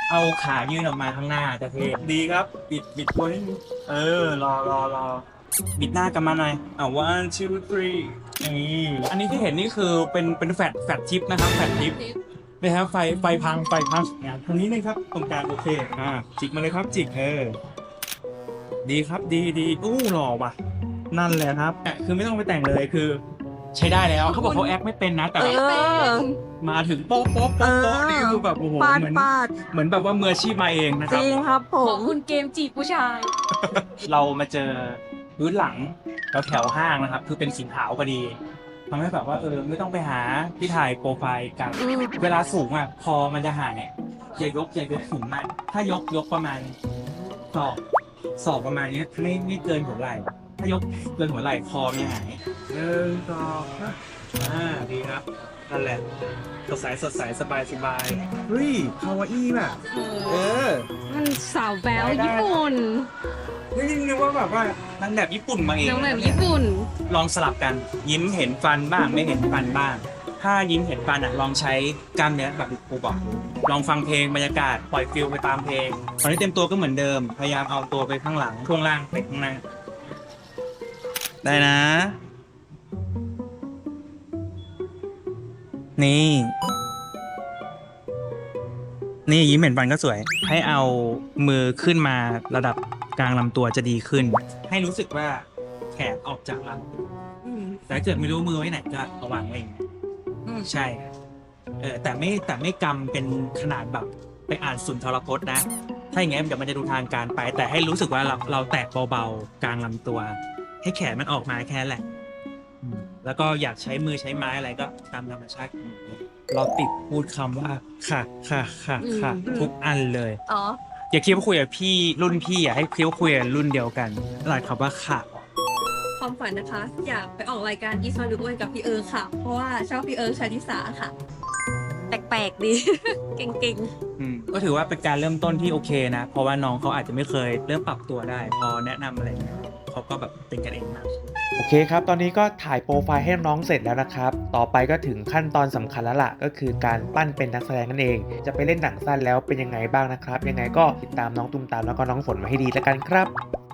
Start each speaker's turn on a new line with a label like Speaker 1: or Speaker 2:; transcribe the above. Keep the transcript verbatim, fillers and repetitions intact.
Speaker 1: เอาขายื่นออกมาข้างหน้าจะเท่ดีครับบิดบิดตัวนิดนึงเออรอรอรอบิดหน้ากลับมาหน่อยอ่า one two three นี่อันนี้ที่เห็นนี่คือเป็นเป็นแฟลชแฟลชทิปนะครับแฟลชทิปนะครับไฟไฟพังไฟพังงานตรงนี้เลยครับตรงกลางโอเคอ่าจิกมาเลยครับจิกเออดีครับดีดีอู้หล่อว่ะนั่นแหละครับคือไม่ต้องไปแต่งเลยคือ ใช้ได้แล้วเขาบอกเขาแอคไม่เป็นนะแต่
Speaker 2: เอ
Speaker 1: แบบ
Speaker 2: อ
Speaker 1: มาถึงโป๊ะโป๊ะโป๊ะโป๊ะนี่คือแบบโอ้โห
Speaker 2: ปาด
Speaker 1: เหมือน
Speaker 2: ปาด
Speaker 1: เหมือนแบบว่ามืออาชีพมาเองนะค
Speaker 2: จ
Speaker 1: รับ
Speaker 2: ริงครับผ
Speaker 3: ขอ
Speaker 2: ม
Speaker 3: งคุณเกมจีบผู้ชาย
Speaker 1: เรามาเจอพื้นหลังแถวแถวห้างนะครับ คือเป็นสีขาวพอดีทำให้แบบว่าเออไม่ต้องไปหาที่ถ่ายโปรไฟล์กัน
Speaker 2: อืม
Speaker 1: เวลาสูงอ่ะพอมันจะหายเนี่ยอย่ายกอย่ายกสูงมากถ้ายกยกประมาณศอกศอกประมาณเนี้ยไม่ไม่เกินหัวไหล่ถ้ายกเกินหัวไหล่คอไม่หายหนึ่งสองอ่าดีครับนั่นแหละสดใสสดใสสบายสบายเฮ้ยคาวาอี้แบบเออ
Speaker 3: มันสาวแบ๊วญี่ปุ่น
Speaker 1: นี่นึกว่าแบบว่านางแบบญี่ปุ่นมาเอง
Speaker 3: นางแบบญี่ปุ่น
Speaker 1: ลองสลับกันยิ้มเห็นฟันบ้างไม่เห็นฟันบ้าง ถ้ายิ้มเห็นฟันอ่ะลองใช้กล้ามเนื้อแบบที่ครูบอกลองฟังเพลงบรรยากาศปล่อยฟิลไปตามเพลงตอนนี้เต็มตัวก็เหมือนเดิม พยายามเอาตัวไปข้างหลังช่วงล่างไปข้างหน้าได้นะ นี่ นี่ยิ้มเห็นฟันก็สวย ให้เอามือขึ้นมาระดับกลางลำตัวจะดีขึ้น ให้รู้สึกว่าแขนออกจากลำตัว
Speaker 2: อืม
Speaker 1: แต่ถ้าเกิดไม่รู้มือไว้ไหนก็เอาวางไว้อย่างเงี้ย
Speaker 2: อืม
Speaker 1: ใช่ เออแต่ไม่แต่ไม่กำเป็นขนาดแบบไปอ่านสุนทรพจน์นะ ถ้าอย่างเงี้ยเดี๋ยวมันจะดูทางการไป แต่ให้รู้สึกว่าเราเราแตะเบาๆกลางลำตัว ให้แขนมันออกมาแค่นั้นแหละอืมแล้วก็อยากใช้มือใช้ไม้อะไรก็ตามธรรมชาติของมือเราติดพูดคำว่าค่ะค่ะค่ะค่ะ
Speaker 3: อืม
Speaker 1: ทุกอันเลย
Speaker 2: อ๋อ
Speaker 1: อย่าคิดว่าคุยกับพี่รุ่นพี่อ่ะให้คิดว่าคุยกับรุ่นเดียวกันหลายคำว่าค่ะ
Speaker 3: ความฝันนะคะ อยากไปออกรายการอีสมาดูอ้วยกับพี่เอิร์ธค่ะ เพราะว่าชอบพี่เอิร์ธชาลิสาค่ะ
Speaker 2: แปลกๆดี เก่ง
Speaker 1: อืมก็ถือว่าเป็นการเริ่มต้นที่โอเคนะ เพราะว่าน้องเขาอาจจะไม่เคยเริ่มปรับตัวได้ พอแนะนำอะไรเงี้ยเขาก็แบบเป็นกันเองมาก
Speaker 4: โอเคครับ ตอนนี้ก็ถ่ายโปรไฟล์ให้น้องเสร็จแล้วนะครับ ต่อไปก็ถึงขั้นตอนสำคัญแล้วล่ะ ก็คือการปั้นเป็นนักแสดงนั่นเอง จะไปเล่นหนังสั้นแล้วเป็นยังไงบ้างนะครับ ยังไงก็ติดตามน้องตุ้มตามแล้วก็น้องฝนมาให้ดีแล้วกันครับ